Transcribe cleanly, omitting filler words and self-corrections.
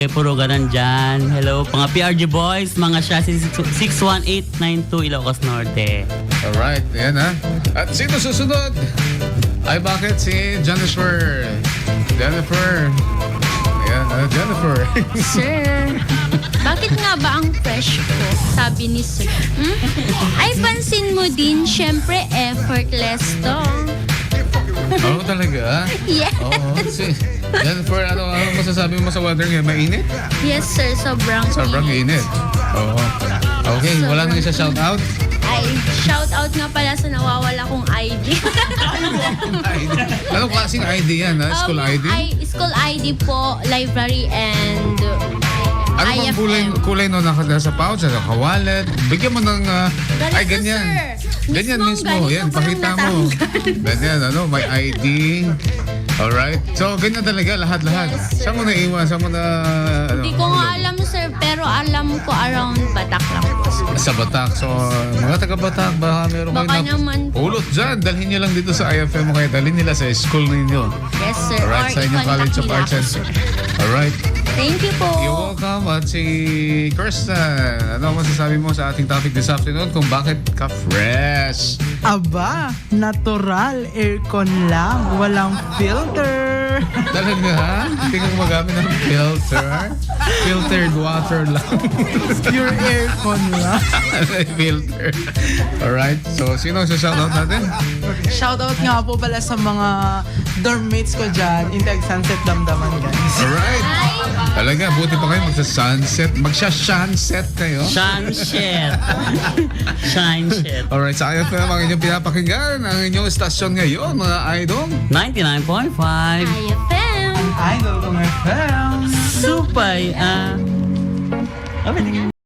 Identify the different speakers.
Speaker 1: Puro ganan dyan. Hello, mga PRG boys, mga chassis 61892 Ilocos Norte.
Speaker 2: Alright, yan ha. At sino susunod? Ay bakit si Jennifer? Jennifer. Ayan, Jennifer.
Speaker 3: Sir, bakit nga ba ang fresh ko? Sabi ni Sir. Ay, pansin mo din, syempre effortless to.
Speaker 2: Oo talaga?
Speaker 3: Yes.
Speaker 2: Oo. Si Jennifer, ano masasabi mo sa weather ngayon? Mainit?
Speaker 3: Yes, sir. Sobrang
Speaker 2: Init. Oo. Okay, wala nang isa shout out?
Speaker 3: Ay, shout out nga pala sa nawawala kong ID.
Speaker 2: Anong klaseng ID yan ha? School ID?
Speaker 3: School ID po, library, and
Speaker 2: Ano bang kulay no nasa pouch, naka-wallet? Bigyan mo ng, ay ganyan. Ganyan mismo, yan, pakita mo. Ganyan, may ID. Alright. So, ganyan talaga, lahat-lahat.
Speaker 3: Yes,
Speaker 2: Saan mo naiwan? Saan mo na,
Speaker 3: Hindi ko nga alam, sir, pero alam ko around Batak lang po.
Speaker 2: Sa Batak. So, mga taga-Batak, baka meron
Speaker 3: Baka
Speaker 2: kayo
Speaker 3: naman po.
Speaker 2: pulot dyan. Dalhin nyo lang dito sa IFM mo kayo. Dalhin nila sa school ninyo.
Speaker 3: Yes, sir.
Speaker 2: Alright,
Speaker 3: Or
Speaker 2: sa inyong College of
Speaker 3: i-contact
Speaker 2: Arts and...
Speaker 3: nila ako, sir.
Speaker 2: Alright.
Speaker 3: Thank you po.
Speaker 2: You're welcome. At si Kirsten, ano masasabi mo sa ating topic this afternoon kung bakit ka fresh?
Speaker 4: Aba, natural aircon lang, walang filter.
Speaker 2: Talaga ha? Hindi ka gumagamit ng filter? Filtered water lang.
Speaker 4: Pure aircon lang.
Speaker 2: Filter. Alright. So, sino sa shoutout natin?
Speaker 4: Shoutout nga po pala sa mga dormmates ko dyan, Integ Sunset Damdaman guys.
Speaker 2: Alright. Talaga, buti pa kayo magsa-sunset. Magsha-sunset kayo.
Speaker 1: Shine shit. Shine shit.
Speaker 2: Alright, sa IFM ang inyong pinapakinggan, ang inyong estasyon ngayon, mga idol.
Speaker 1: 99.5.
Speaker 3: IFM.
Speaker 4: Idol ko my fam.
Speaker 1: Supay